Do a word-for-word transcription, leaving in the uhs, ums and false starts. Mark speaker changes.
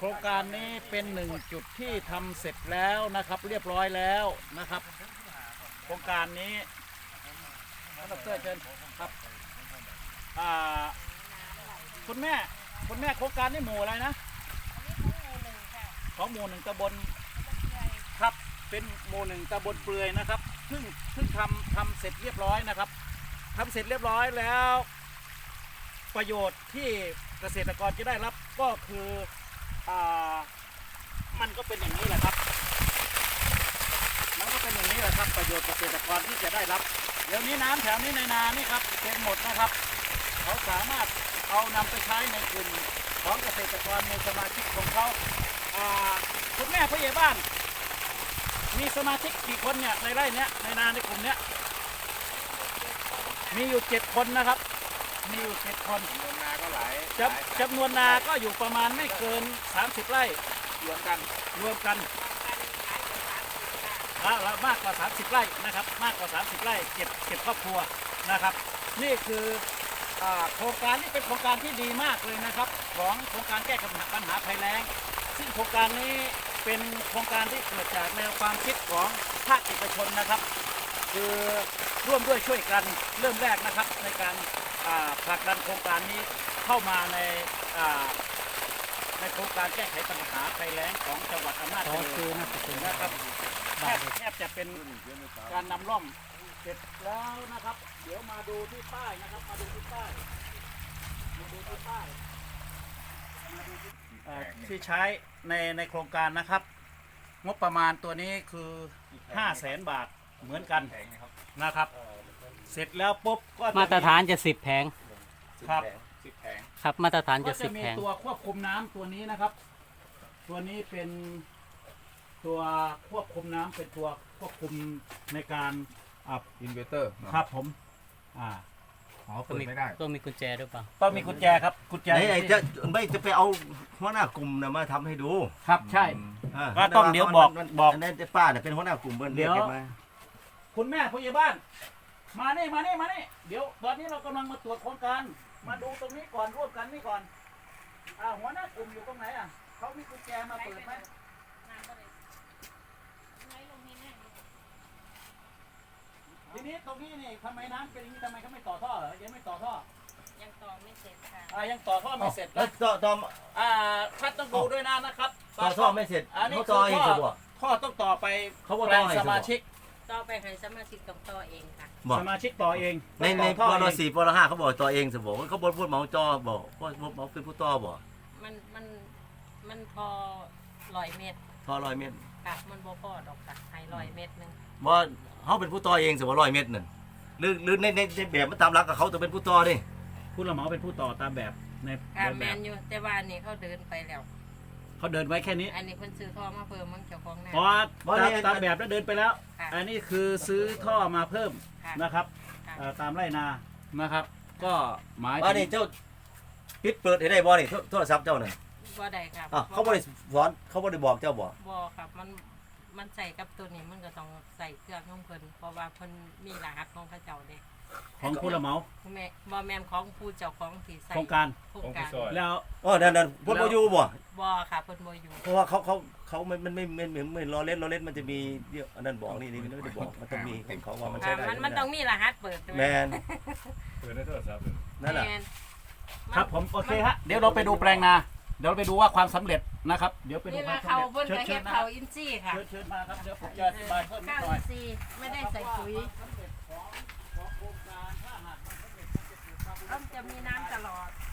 Speaker 1: รงการนี้เป็นหนึ่งจุดที่ทำเสร็จแล้วนะครับ เรียบร้อยแล้วนะครับ โครงการนี้ท่านดรเชิญครับอ่าคุณแม่คุณแม่โครงการนี้หมู่อะไรนะของหมู่หนึ่งตำบลครับเป็นหมู่หนึ่งตำบลเปลือยนะครับซึ่งซึ่งทำทำเสร็จเรียบร้อยนะครับทำเสร็จเรียบร้อยแล้ว ประโยชน์ที่เกษตรกรจะได้รับก็คืออ่ามันก็เป็นอย่างนี้แหละครับมันก็เป็นอย่างนี้แหละครับประโยชน์เกษตรกรที่จะได้รับเดี๋ยวนี้น้ำแถวนี้ในนานี่ครับเต็มหมดนะครับเขาสามารถเอานำไปใช้ในกลุ่มของเกษตรกรในสมาชิกของเขาอ่าคุณแม่ผู้ใหญ่บ้านมีสมาชิกกี่คนเนี่ยในไร่เนี้ยในนาในกลุ่มเนี้ยมีอยู่เจ็ดคนนะครับมีอยู่เจ็ดคนจำนวนนาก็หลายจำจำนวนนาก็อยู่ประมาณไม่เกินสามสิบไร่รวมกันรวมกันแล้วมากกว่าสามสิบไร่นะครับมากกว่าสามสิบไร่เก็บเก็บครอบครัวนะครับ นี่คือโครงการนี้เป็นโครงการที่ดีมากเลยนะครับของโครงการแก้ปัญหาภัยแล้งซึ่งโครงการนี้เป็นโครงการที่เกิดจากแนวความคิดของภาคเอกชนนะครับ คือร่วมด้วยช่วยกันเริ่มแรกนะครับในการผลักดันโครงการนี้เข้ามาในในโครงการแก้ไขปัญหาภัยแล้งของจังหวัดอำนาจเจริญนะครับแทบแทบจะเป็นการนำร่องเสร็จแล้วนะครับ เดี๋ยวมาดูที่ป้ายนะครับมาดูที่ป้ายมาดูที่ป้ายที่ใช้ในในโครงการนะครับงบประมาณตัวนี้คือห้าแสนบาทเหมือนกันนะครับเสร็จแล้วปุ๊บก็
Speaker 2: มาตรฐานจะสิบแผง
Speaker 1: ครับ
Speaker 3: สิบแผง
Speaker 2: ครับมาตรฐานจะ
Speaker 1: ก็
Speaker 2: สิ
Speaker 1: จะมี
Speaker 2: บแผง
Speaker 1: ตัวควบคุมน้ำตัวนี้นะครับ ตัวนี้เป็นตัวควบคุมน้ำเป็นตัวควบคุมในการอ่า
Speaker 3: อินเวอร์เตอร์
Speaker 1: ครับผมอ่า
Speaker 3: อ๋อเปิดไม่ได้
Speaker 2: ต้องมีกุญแจหรือเปล่า
Speaker 1: ต้องมีกุญแจครับกุญแจ
Speaker 4: ไหนไหนจะไม่จะไปเอาหัวหน้ากลุ่มนะมาทำให้ดู
Speaker 1: ครับใช่
Speaker 4: อ่า
Speaker 1: ก็ต้องเดี๋ยวบอกบอก
Speaker 4: อันนั้นป้าเนี่ยเป็นหัวหน้ากลุ่มเบิ้ลเรียกกันมา
Speaker 1: คุณแม่ผู้ใหญ่บ้าน มานี่มานี่มานี่เดี๋ยวตอนนี้เรากำลังมาตรวจโครงการมาดูตรงนี้ก่อนร่วมกันนี่ก่อนอ่าหัวหน้ากลุ่มอยู่ตรงไหนอ่ะเขามีกุญแจมาเปิดไหมทีนี้ตรงนี้นี่ทำไมน้ำเป็นอย่างนี้ทำไมเขาไม่ต่อท่อเหรอยังไม่ต่อท่อ
Speaker 5: ยังต่อไม่เสร็จค่ะ
Speaker 1: อ่ายังต่อท่อไม่เสร็จ
Speaker 4: แล้วต่อต่อ
Speaker 1: อ่าท่านต้องดูด้วยนะนะครับ
Speaker 4: ต่อท่อไม่เสร็จ
Speaker 1: อันนี้
Speaker 4: เขา
Speaker 1: คื
Speaker 4: ต่อ
Speaker 1: อ
Speaker 4: เอง
Speaker 1: ท่อ
Speaker 4: จะบอก
Speaker 1: ท่อต้องต่อไป
Speaker 4: เขาบอก
Speaker 1: แปล
Speaker 4: ต่อง ให้
Speaker 1: สมาชิก
Speaker 5: ต่อไปให้สมาชิกต้องต่อเองค่ะ
Speaker 4: บอก
Speaker 1: สมาชิกต่อเอง
Speaker 4: ในใน
Speaker 1: ต่อ
Speaker 4: ป
Speaker 1: ท่อ
Speaker 4: ร
Speaker 1: เอง
Speaker 4: สี่ปรห้าเขาบอกต่อเองจะบอกเขาบอกพูดเหมาจอบอกพูดเหมาเป็นผู้ต่อบอก
Speaker 5: มันมันมันพอร้อยเมตร
Speaker 4: ท่อร้อยเมตร
Speaker 5: ค่ะมันบ่พอดอกค่ะให้ร้อยเมตรหนึง
Speaker 4: ว่าเขาเป็นผู้ต่อเองจะบอกร้อยเมตรนั่นหรือหรือในในในแบบมันตามหลักกับเขาจะเป็นผู้ต่อดิ
Speaker 1: ผู้รับเหมาเป็นผู้ต่อตามแบบใน
Speaker 5: ค่ะ
Speaker 1: เดิน
Speaker 5: แม
Speaker 1: แบบ
Speaker 5: นอยู่แต่ว่าอันนี้เขาเดินไปแล้ว
Speaker 1: เขาเดินไว้แค่นี้
Speaker 5: อันนี้เพิ่นซื้อท่อมาเพิ่มมันเจ้าของนา
Speaker 1: เพราะตามตามแบบแล้วเดินไปแล้ว
Speaker 5: ค่ะ
Speaker 1: อันนี้คือซื้อท่อมาเพิ่ม
Speaker 5: ค่ะ
Speaker 1: นะครับ
Speaker 5: ค่ะ
Speaker 1: เอ่อตามไร่นานะครับ ก็หมาย
Speaker 4: ว่า
Speaker 1: ถึ
Speaker 4: นี่
Speaker 1: ง
Speaker 4: เจ้าปิดเปิดให้ได้บ่นี่โทรศัพท์เจ้าน่ะ
Speaker 5: บ่ได้ค่ะ
Speaker 4: อ่ะเขาบ่ได้สอนเขาบ่ได้บอกเจ้าบ่
Speaker 5: บ่ครับมันมันใส่กับตัวนี้มันก็ต้องใส่เครื่องของเพิ่นเพราะว่าเพิ่นมีรหัสของเขาเจ้าเด้
Speaker 1: ของผู้รับเหมา
Speaker 5: แม่บ่แม่นของผู้เจ้าของที่ใส่
Speaker 1: โครงการ
Speaker 5: โครงการ
Speaker 1: แล้ว
Speaker 4: อ๋อนั่นนั่นเพิ่นบ่อยู่บ่
Speaker 5: บ่ค่ะเพิ่นบ่อยู่
Speaker 4: เพราะว่าเขาเขาเขามันมันไม่ไม่เหมือนเหมือนล้อเล่นล้อเล่นมันจะมีเดี๋ยวอันนั้นบอกนี่นี่มันไม่ได้บอกมันต้องมีของเขาว่ามัน
Speaker 5: ค่ะ
Speaker 4: ใช้ได้
Speaker 5: มันมันต้องมีรหัสเปิดด้วย
Speaker 4: แมน
Speaker 3: เปิดในโทรศัพท์
Speaker 4: นั่นแหละ
Speaker 5: แม่น
Speaker 1: ครับผมโอเคฮะเดี๋ยวเราไปดูแปลงนาเดี๋ยวเราไปดูว่าความสำเร็จนะครับ เดี๋ยวไปดู
Speaker 5: นี่
Speaker 1: ควา
Speaker 5: ละ
Speaker 1: มสำ
Speaker 5: เขา
Speaker 1: เร็จ
Speaker 5: เพิ่น
Speaker 1: เชิญ
Speaker 5: ก็
Speaker 1: เชิ
Speaker 5: เฮ็
Speaker 1: ญ
Speaker 5: ด
Speaker 1: นะครั
Speaker 5: เขา
Speaker 1: บ
Speaker 5: อินซี่ค่ะ
Speaker 1: เชิญเชิญมาครับเดี๋ยวผมจะอธิบายเพิ่มนิด
Speaker 5: ข้าว
Speaker 1: หน่อ
Speaker 5: อิ
Speaker 1: ย
Speaker 5: นซี่ไม่ได้ใส่ปุ๋ย
Speaker 1: ความสำเร็จของของโครงการถ้าหากมันสำเร็จมันจะเกิดความ
Speaker 5: ต้องจะมีน้ำตลอด